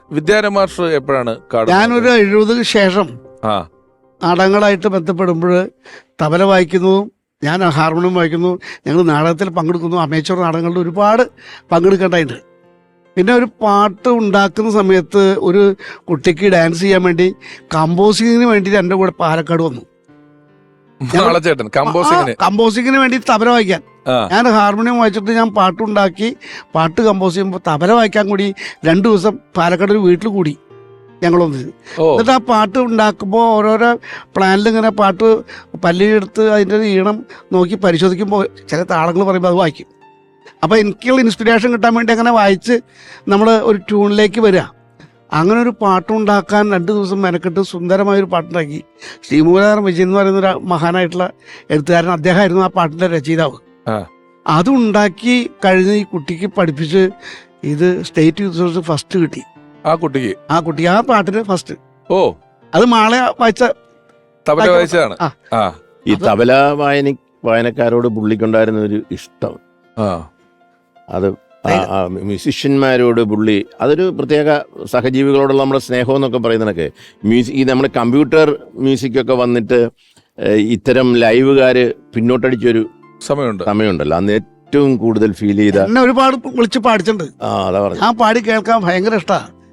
വിദ്യാരംഭ മാസ്റ്റർ എപ്പോഴാണ് ഞാനൊരു 70 ശേഷം നാടകങ്ങളായിട്ട് ബന്ധപ്പെടുമ്പോൾ തബല വായിക്കുന്നതും ഞാൻ ഹാർമോണിയം വായിക്കുന്നു, ഞങ്ങൾ നാടകത്തിൽ പങ്കെടുക്കുന്നു, അമേച്ചർ നാടകങ്ങളിൽ ഒരുപാട് പങ്കെടുക്കേണ്ടതായിട്ട്. പിന്നെ ഒരു പാട്ട് ഉണ്ടാക്കുന്ന സമയത്ത് ഒരു കുട്ടിക്ക് ഡാൻസ് ചെയ്യാൻ വേണ്ടി കമ്പോസിങ്ങിന് വേണ്ടിയിട്ട് എൻ്റെ കൂടെ പാലക്കാട് വന്നു. കമ്പോസിങ്ങിന് വേണ്ടി തബല വായിക്കാൻ. ഞാൻ ഹാർമോണിയം വായിച്ചിട്ട് ഞാൻ പാട്ടുണ്ടാക്കി, പാട്ട് കമ്പോസ് ചെയ്യുമ്പോൾ തബല വായിക്കാൻ കൂടി 2 ദിവസം പാലക്കാട് ഒരു വീട്ടിൽ കൂടി ഞങ്ങളൊന്ന്. എന്നിട്ട് ആ പാട്ട് ഉണ്ടാക്കുമ്പോൾ ഓരോരോ പ്ലാനിൽ ഇങ്ങനെ പാട്ട് പല്ലിയെടുത്ത് അതിൻ്റെ ഈണം നോക്കി പരിശോധിക്കുമ്പോൾ ചില താളങ്ങൾ പറയുമ്പോൾ അത് വായിക്കും. അപ്പോൾ എനിക്കുള്ള ഇൻസ്പിറേഷൻ കിട്ടാൻ വേണ്ടി അങ്ങനെ വായിച്ച് നമ്മൾ ഒരു ട്യൂണിലേക്ക് വരിക. അങ്ങനെ ഒരു പാട്ടുണ്ടാക്കാൻ 2 ദിവസം മെനക്കെട്ട് സുന്ദരമായൊരു പാട്ടുണ്ടാക്കി. ശ്രീമൂലധരം വിജയൻ എന്ന് പറയുന്ന ഒരു മഹാനായിട്ടുള്ള എഴുത്തുകാരൻ, അദ്ദേഹമായിരുന്നു ആ പാട്ടിൻ്റെ രചയിതാവ്. അതുണ്ടാക്കി കഴിഞ്ഞ് ഈ കുട്ടിക്ക് പഠിപ്പിച്ച് ഇത് സ്റ്റേറ്റ് യൂത്ത് ഫസ്റ്റ് കിട്ടി. ആ കുട്ടിക്ക് ആ പാട്ടിന് ഫസ്റ്റ്. അത് മാളെ വായിച്ചതാണ്. ഈ തബല വായനക്കാരോട് പുള്ളിക്കുണ്ടായിരുന്ന ഒരു ഇഷ്ടം, അത് മ്യൂസിഷ്യന്മാരോട് പുള്ളി അതൊരു പ്രത്യേക സഹജീവികളോടുള്ള നമ്മുടെ സ്നേഹം എന്നൊക്കെ പറയുന്നതൊക്കെ ഈ നമ്മുടെ കമ്പ്യൂട്ടർ മ്യൂസിക്കൊക്കെ വന്നിട്ട് ഇത്തരം ലൈവുകാര് പിന്നോട്ടടിച്ചൊരു സമയമുണ്ടല്ലോ, അന്ന് ഏറ്റവും കൂടുതൽ ഫീൽ ചെയ്ത എന്നെ ഒരുപാട് വിളിച്ച് പാടിച്ചിട്ടുണ്ട്. അതാ പറഞ്ഞു, ഞാൻ പാടി കേൾക്കാൻ ഭയങ്കര ഇഷ്ടമാണ്.